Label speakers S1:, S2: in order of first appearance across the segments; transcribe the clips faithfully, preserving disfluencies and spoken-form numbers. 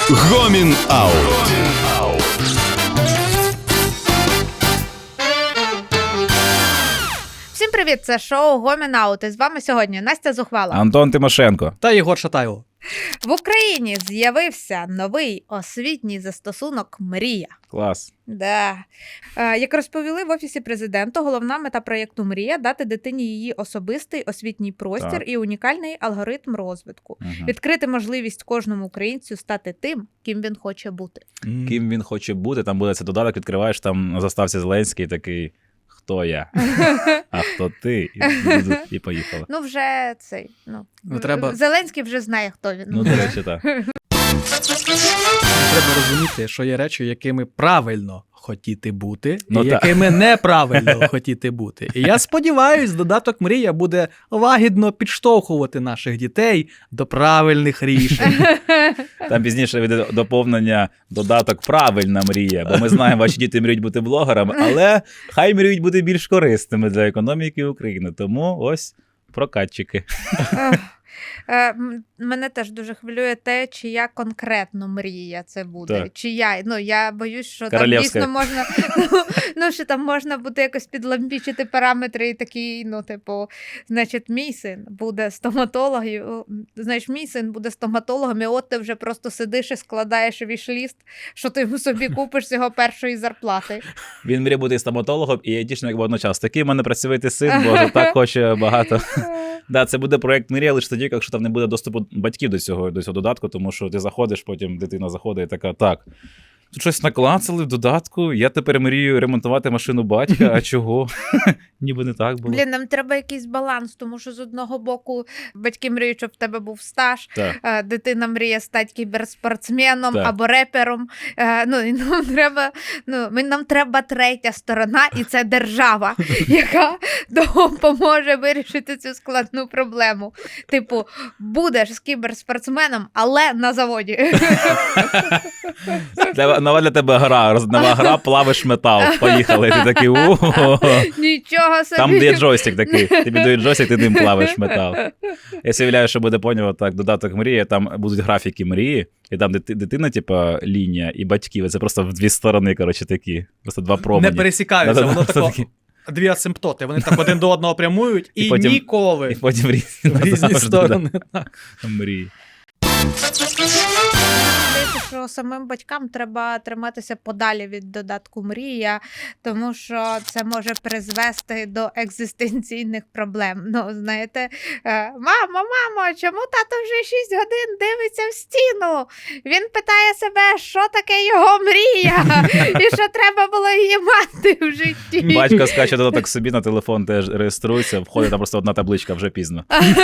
S1: Гомін Аут.
S2: Всім привіт, це шоу Гомін Аут. І з вами сьогодні Настя Зухвала,
S3: Антон Тимошенко
S4: та Єгор Шатайло.
S2: В Україні з'явився новий освітній застосунок «Мрія».
S3: Клас.
S2: Да. Е, як розповіли в Офісі Президента, головна мета проєкту «Мрія» – дати дитині її особистий освітній простір
S3: Так.
S2: і унікальний алгоритм розвитку.
S3: Угу.
S2: Відкрити можливість кожному українцю стати тим, ким він хоче бути.
S3: Ким він хоче бути, там буде цей додаток, відкриваєш, там на заставці Зеленський такий, хто я, а хто ти, і, і поїхала.
S2: Ну вже цей, ну,
S4: Ну, треба-
S2: Зеленський вже знає, хто він.
S3: Ну, до речі, так.
S4: Треба розуміти, що є речі, якими правильно хотіти бути,
S3: Ну,
S4: і
S3: так.
S4: якими неправильно хотіти бути. І я сподіваюсь, додаток «Мрія» буде лагідно підштовхувати наших дітей до правильних рішень.
S3: Там пізніше буде доповнення додаток «Правильна мрія», бо ми знаємо, ваші діти мріють бути блогерами, але хай мріють бути більш корисними для економіки України. Тому ось прокатчики.
S2: Ех, е, м- Мене теж дуже хвилює те, чия конкретно мрія це буде.
S3: Так.
S2: Чия, ну я боюсь, що там
S3: Королівська.
S2: дійсно можна, ну, ну що там можна буде якось підлампічити параметри і такі, ну типу, значить, мій син буде стоматологом, знаєш, мій син буде стоматологом, і от ти вже просто сидиш і складаєш віш-ліст, що ти собі купиш з його першої зарплати.
S3: Він мріє бути стоматологом і айтішником водночас. Такий в мене працьовитий син, боже, так хоче багато. Да, це буде проєкт «Мрія» лише тоді, якщо там не буде доступу батьків до цього, до цього додатку, тому що ти заходиш, потім дитина заходить і така, так, тут щось наклацали в додатку, я тепер мрію ремонтувати машину батька, а чого? Ніби не так було.
S2: Блін, нам треба якийсь баланс, тому що з одного боку батьки мріють, щоб в тебе був стаж,
S3: Так.
S2: е, дитина мріє стати кіберспортсменом
S3: Так.
S2: або репером. Е, ну, і нам треба, ну, ми- нам треба третя сторона, і це держава, яка допоможе вирішити цю складну проблему. Типу, будеш з кіберспортсменом, але на заводі.
S3: Для, нова для тебе гра, роз- нова гра, плавиш метал, поїхали, ти такий, о,
S2: Нічого собі.
S3: там де є джойстик такий, тобі дають джойстик, ти ним плавиш метал. Я собі уявляю, що буде, поняв, так, додаток «Мрія», там будуть графіки мрії, і там дити- дитина, типа, лінія, і батьків, і це просто в дві сторони, коротше, такі, просто два промені.
S4: Не пересікаються,
S3: Да-да-да,
S4: воно
S3: просто
S4: тако,
S3: такі.
S4: дві асимптоти, вони так один до одного прямують і,
S3: І потім-
S4: ніколи
S3: І потім в різні,
S4: в різні
S3: назавжди,
S4: сторони.
S3: да, мрії.
S2: Здається, що самим батькам треба триматися подалі від додатку «Мрія», тому що це може призвести до екзистенційних проблем. Ну, знаєте, е, мамо, мамо, чому тато вже шість годин дивиться в стіну? Він питає себе, що таке його мрія, і що треба було її мати в житті.
S3: Батько скаче додаток собі на телефон, теж реєструється, входить там просто одна табличка, вже пізно.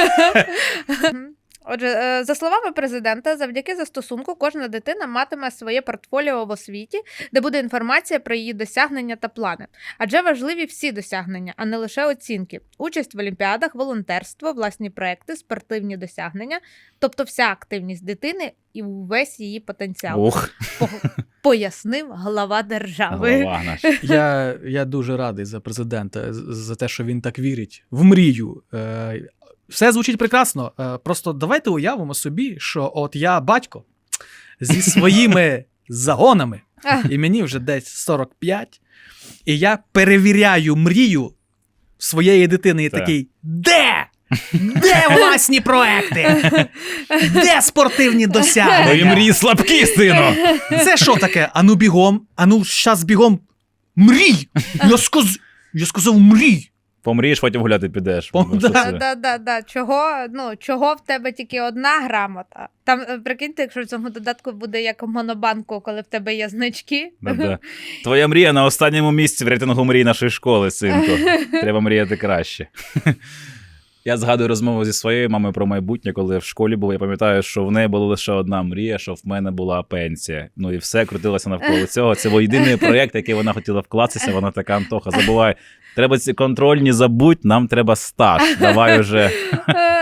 S2: Отже, е, за словами президента, завдяки застосунку кожна дитина матиме своє портфоліо в освіті, де буде інформація про її досягнення та плани. Адже важливі всі досягнення, а не лише оцінки. Участь в олімпіадах, волонтерство, власні проекти, спортивні досягнення, тобто вся активність дитини і увесь її потенціал.
S3: Ух,
S2: По- Пояснив глава держави.
S3: голова наш.
S4: Я, я дуже радий за президента, з- за те, що він так вірить в мрію. Е, Все звучить прекрасно. Е, Просто давайте уявимо собі, що от я батько зі своїми загонами,
S2: Ах.
S4: і мені вже десь сорок п'ять, і я перевіряю мрію своєї дитини і
S3: Так.
S4: такий: де? Де власні проекти? Де спортивні
S3: Твої
S4: досягнення?
S3: мрії слабкі, сину!
S4: Це що таке? Ану бігом, ану щас бігом. Мрій! Я, сказ... я сказав мрій!
S3: Помрієш, потім гуляти підеш.
S4: Пом-
S3: Ну, що
S4: да.
S3: це?
S2: Да, да, да. Чого, ну, чого в тебе тільки одна грамота? Там, е, прикиньте, якщо в цьому додатку буде як в Монобанку, коли в тебе є значки.
S3: Да-да. Твоя мрія на останньому місці в рейтингу мрій нашої школи, синку. Треба мріяти краще. Я згадую розмову зі своєю мамою про майбутнє, коли я в школі був. Я пам'ятаю, що в неї була лише одна мрія, що в мене була пенсія. Ну і все крутилося навколо цього. Це був єдиний проєкт, який вона хотіла вкластися. Вона така: Антоха, забувай, треба ці контрольні забудь, нам треба стаж. Давай уже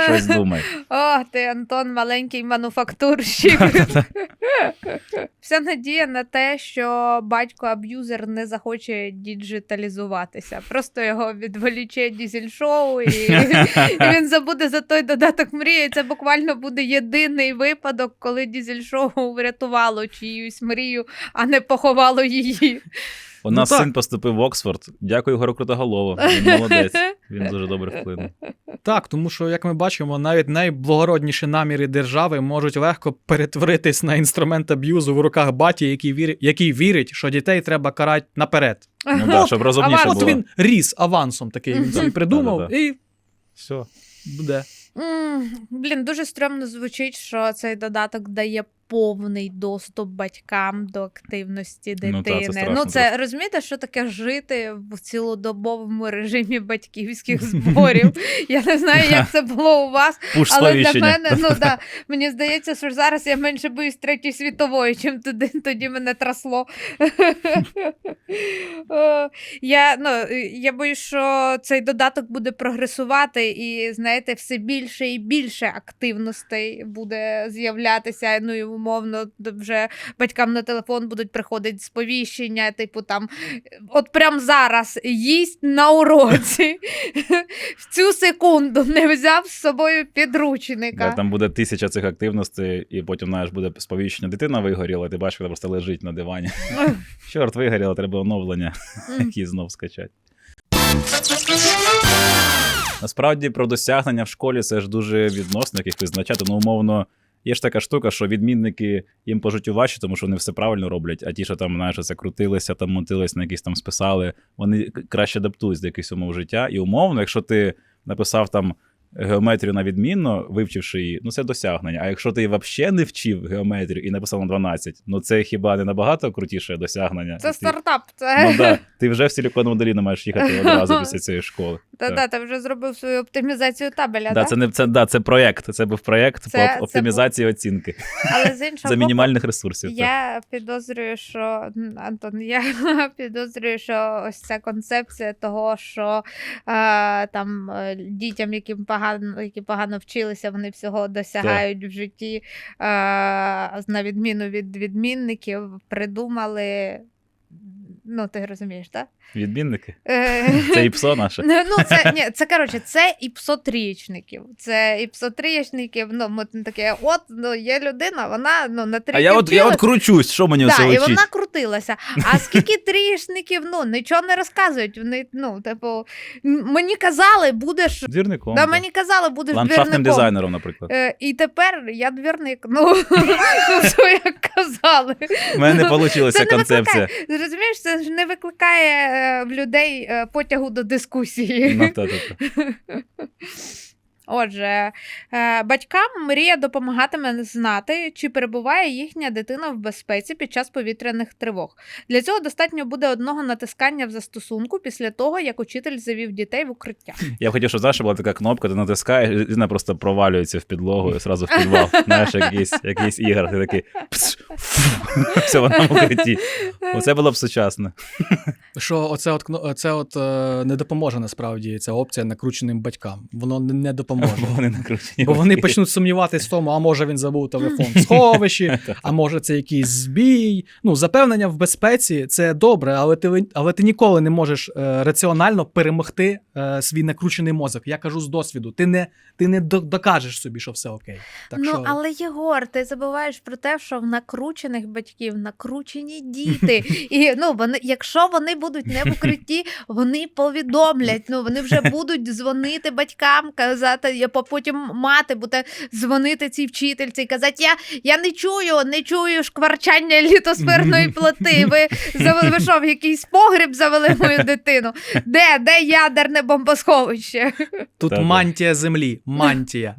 S3: Щось думай.
S2: О, ти, Антон, маленький мануфактурщик. Вся надія на те, що батько-аб'юзер не захоче діджиталізуватися. Просто його відволіче дізель-шоу, і, і він забуде за той додаток мрії. Це буквально буде єдиний випадок, коли дізель-шоу врятувало чиюсь мрію, а не поховало її.
S3: У нас
S4: Ну, так.
S3: син поступив в Оксфорд. Дякую Ігорю Крутоголову. Він молодець. Він дуже добре вплинув.
S4: Так, тому що, як ми бачимо, навіть найблагородніші наміри держави можуть легко перетворитись на інструмент аб'юзу в руках баті, який вірить, який вірить, що дітей треба карати наперед.
S3: Ну так, щоб розумніше
S2: аванс.
S3: було.
S4: От він ріс авансом такий, він собі придумав,
S3: Да-да-да.
S4: і
S3: Все.
S4: буде.
S2: М, Блін, дуже стрьомно звучить, що цей додаток дає повний доступ батькам до активності
S3: Ну,
S2: дитини.
S3: та, це
S2: Ну,
S3: страшно
S2: це
S3: просто.
S2: розумієте, що таке жити в цілодобовому режимі батьківських зборів. Я не знаю, як це було у вас,
S3: Пуш
S2: але для
S3: сповіщення.
S2: мене, ну да, мені здається, що зараз я менше боюсь Третьої світової, чим тоді, тоді мене трасло. О, Я, ну, я боюсь, що цей додаток буде прогресувати і, знаєте, все більше і більше активностей буде з'являтися. Ну і умовно вже батькам на телефон будуть приходити сповіщення, типу там, от прям зараз їсть на уроці. В цю секунду не взяв з собою підручника.
S3: Да, там буде тисяча цих активностей, і потім, знаєш, буде сповіщення. Дитина вигоріла, ти бачиш, вона просто лежить на дивані. Чорт, вигоріла, треба оновлення, які знов скачати. Насправді, про досягнення в школі це ж дуже відносно, як їх визначати. Ну, умовно, є ж така штука, що відмінники їм по життю важче, тому що вони все правильно роблять, а ті, що там, знаєш, це крутилися, там мотились, на якісь там списали, вони краще адаптуються до якихось умов життя. І умовно, якщо ти написав там геометрію на відмінно, вивчивши її, ну це досягнення. А якщо ти взагалі не вчив геометрію і написав на дванадцять, ну це хіба не набагато крутіше досягнення?
S2: Це
S3: Ти-
S2: стартап. Це...
S3: Ну так, ти вже в Силіконову доліну маєш їхати одразу після цієї школи.
S2: Та-та, ти вже зробив свою оптимізацію табеля,
S3: Да,
S2: да?
S3: це не це, да, це проєкт. Це був проєкт
S2: Це-
S3: по
S2: це
S3: оптимізації оцінки
S2: Але з іншого
S3: за
S2: боку,
S3: мінімальних ресурсів. так.
S2: я підозрюю, що Антон, я підозрюю, що ось ця концепція того, що е, там е, дітям, яким погано, які погано вчилися, вони всього досягають в житті, е, на відміну від відмінників, придумали. Ну, ти розумієш, так?
S3: Відмінники.
S2: Е,
S3: Це і псо наше.
S2: Ну, це, ні, це, коротше, це і псотрієчників. Це і псотрієчників, ну, ми таке, от, ну, є людина, вона, ну, на трійки
S3: А я от, я от кручусь, що мені
S2: Так,
S3: оце
S2: і
S3: вчить?
S2: вона крутилася. А скільки трієчників, ну, нічого не розказують. Вони, ну, типу, м- мені казали, будеш,
S3: Двірником.
S2: да,
S3: так.
S2: мені казали, будеш
S3: Ландшафтним
S2: двірником.
S3: дизайнером, наприклад.
S2: Е, і тепер я двірник. Ну, ну, що як казали.
S3: У мене не вийшла
S2: Це не
S3: концепція.
S2: Розумієш, це ж не викликає е, в людей е, потягу до дискусії.
S3: Ну, та, та, та.
S2: Отже, е, батькам мрія допомагатиме знати, чи перебуває їхня дитина в безпеці під час повітряних тривог. Для цього достатньо буде одного натискання в застосунку після того, як учитель завів дітей в укриття.
S3: Я б хотів, щоб знаєш, була така кнопка, ти натискаєш, і дитина просто провалюється в підлогу і одразу в підвал. Знаєш, якийсь, якийсь ігор, ти такий пс, фу, все, вона в укритті. Оце було б сучасно.
S4: Що оце от, кно- оце от е, не допоможе насправді ця опція накрученим батькам. Воно не- не допоможе.
S3: Бо вони накручені.
S4: Бо вони почнуть сумніватись в тому, а може він забув телефон в сховищі, а може це якийсь збій. Ну, запевнення в безпеці – це добре, але ти, але ти ніколи не можеш е, раціонально перемогти е, свій накручений мозок. Я кажу з досвіду, ти не, ти не до- докажеш собі, що все окей. Так
S2: ну,
S4: що...
S2: але, Єгор, ти забуваєш про те, що в накручених батьків накручені діти. І, ну, вони, якщо вони будуть не в укритті, вони повідомлять, ну, вони вже будуть дзвонити батькам, казати, я по- потім мати буде дзвонити цій вчительці і казати, я, я не чую, не чую шкварчання літосферної плити. Ви, завели- ви що, в якийсь погріб завели мою дитину? Де, де ядерне бомбосховище?
S4: Тут
S3: Та-та.
S4: мантія землі, мантія.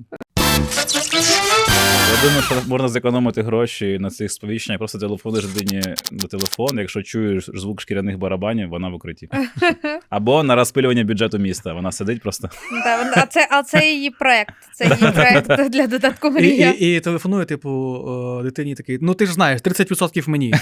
S3: Я думаю, що можна зекономити гроші на цих сповіщеннях. Просто телефонуєш дитині до телефону, якщо чуєш звук шкіряних барабанів, вона в укритті. Або на розпилювання бюджету міста. Вона сидить просто.
S2: Да, вона- а, це, а це її проект. Це її проект для додатку
S4: І,
S2: мрія.
S4: і, і телефонує, типу, о, дитині такий, ну ти ж знаєш, тридцять відсотків мені.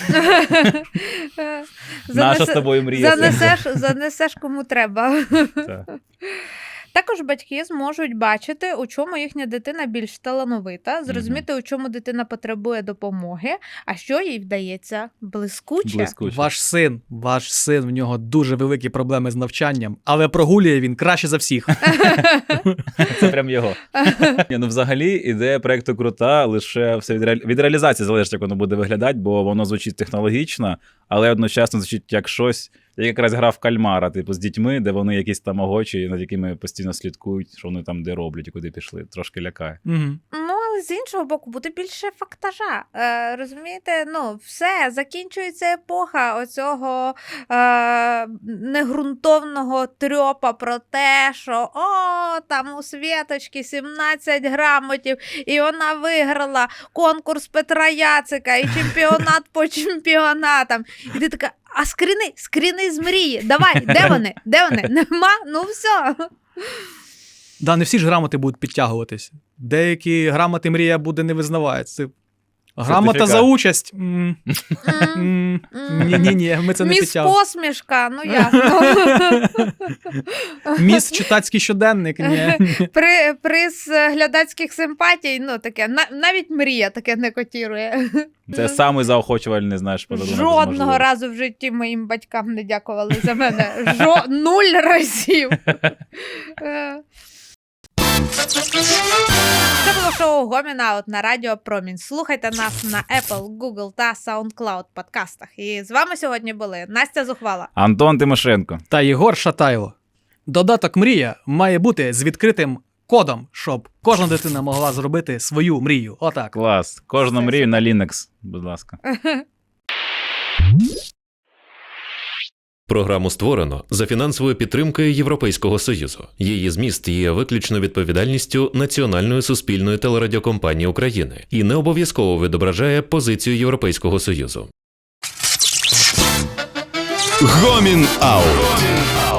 S3: Наша з тобою мрія.
S2: Занесеш, занесеш кому треба.
S3: Так.
S2: Також батьки зможуть бачити, у чому їхня дитина більш талановита, зрозуміти, у чому дитина потребує допомоги, а що їй вдається блискуче.
S3: Блискуче.
S4: Ваш син, ваш син, в нього дуже великі проблеми з навчанням, але прогулює він краще за всіх.
S3: Це прям його. Ні, ну взагалі ідея проекту крута, лише все від, реалі... від реалізації залежить, як воно буде виглядати, бо воно звучить технологічно, але одночасно звучить як щось, як якраз гра в кальмара, типу, з дітьми, де вони якісь тамагочі, над якими постійно слідкують, що вони там де роблять і куди пішли. Трошки лякає.
S4: Угу.
S2: Ну, але з іншого боку, буде більше фактажа. Е, розумієте, ну, все, закінчується епоха оцього е, негрунтовного трьопа про те, що о, там у Світочки сімнадцять грамотів, і вона виграла конкурс Петра Яцика, і чемпіонат по чемпіонатам. І ти така, а скріни, скріни з мрії, давай, де вони, де вони, нема, ну все.
S4: Да, не всі ж грамоти будуть підтягуватись. Деякі грамоти мрія буде не визнавається. Грамота
S3: Сертифікат.
S4: за участь. М, м, Ні-ні-ні, ми це не
S2: Міс
S4: підтягуємо.
S2: посмішка, ну ясно.
S4: Міс читацький щоденник. Ні.
S2: При, приз глядацьких симпатій, ну таке, на, навіть мрія таке не котірує.
S3: Це самий заохочувальний, знаєш, подарунок.
S2: Жодного
S3: можливо.
S2: разу в житті моїм батькам не дякували за мене. Жо... Нуль разів. Е. Це було шоу Гомінаут на Радіо Промінь. Слухайте нас на Apple, Google та SoundCloud подкастах. І з вами сьогодні були Настя Зухвала.
S3: Антон Тимошенко.
S4: Та Єгор Шатайло. Додаток «Мрія» має бути з відкритим кодом, щоб кожна дитина могла зробити свою мрію. Отак.
S3: Клас. Кожну
S2: Все,
S3: мрію
S2: супер.
S3: на Linux, будь ласка.
S1: Програму створено за фінансовою підтримкою Європейського Союзу. Її зміст є виключно відповідальністю Національної суспільної телерадіокомпанії України і не обов'язково відображає позицію Європейського Союзу.
S5: Гомін Аут.